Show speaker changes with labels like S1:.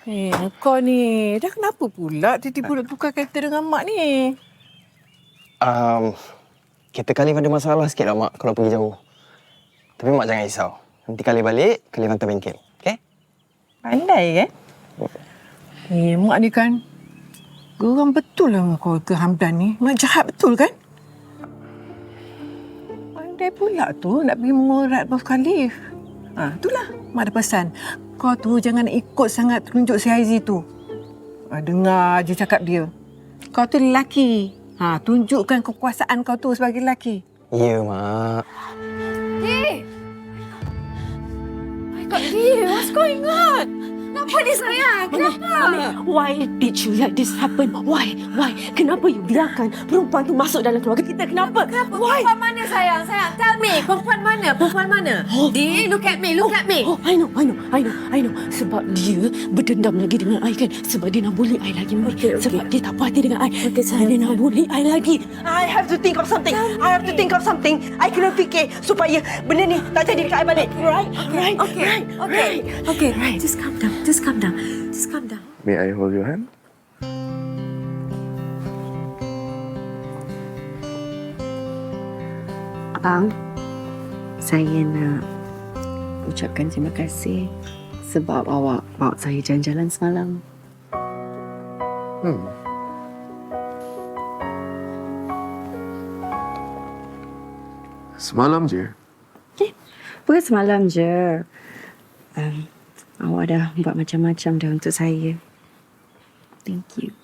S1: Kau ni dah kenapa pula tiba-tiba nak tukar kereta dengan Mak ni?
S2: Kereta Khalif ada masalah sikit lah, Mak, kalau pergi jauh. Tapi Mak jangan risau. Nanti Khalif balik, Khalif hantar bengkel. Okey?
S1: Pandai, Mak ni kan geram betul lah dengan keluarga Hamdan ni. Mak jahat betul kan? Pandai pula tu nak pergi mengorat Prof. Khalif. Itulah Mak ada pesan. Kau tu jangan ikut sangat tunjuk si Haizi tu. Dengar je cakap dia. Kau tu lelaki. Tunjukkan kekuasaan kau tu sebagai lelaki.
S2: Ya, Mak.
S3: Hey! My God, Lee, what's going on? Kenapa ni sayang? Kenapa?
S4: Why did you let this happen? Why? Kenapa you biarkan perempuan tu masuk dalam keluarga kita? Kenapa? Why?
S3: Perempuan mana sayang? Sayang, tell me. Perempuan mana? Perempuan mana? Lee, look at me.
S4: Oh, I know. Sebab dia berdendam lagi dengan I kan? Sebab dia nak bully I lagi.
S3: Okay.
S4: Sebab dia tak puas hati dengan I. Dia nak bully I lagi. I have to think of something. I kena fikir supaya benda ni tak jadi dekat I balik. Right?
S3: Okay. Just calm down.
S5: May I hold your hand?
S6: Abang, saya nak ucapkan terima kasih sebab awak bawa saya jalan-jalan semalam.
S5: Semalam je.
S6: Bukan semalam je. Awak dah buat macam-macam dah untuk saya. Thank you.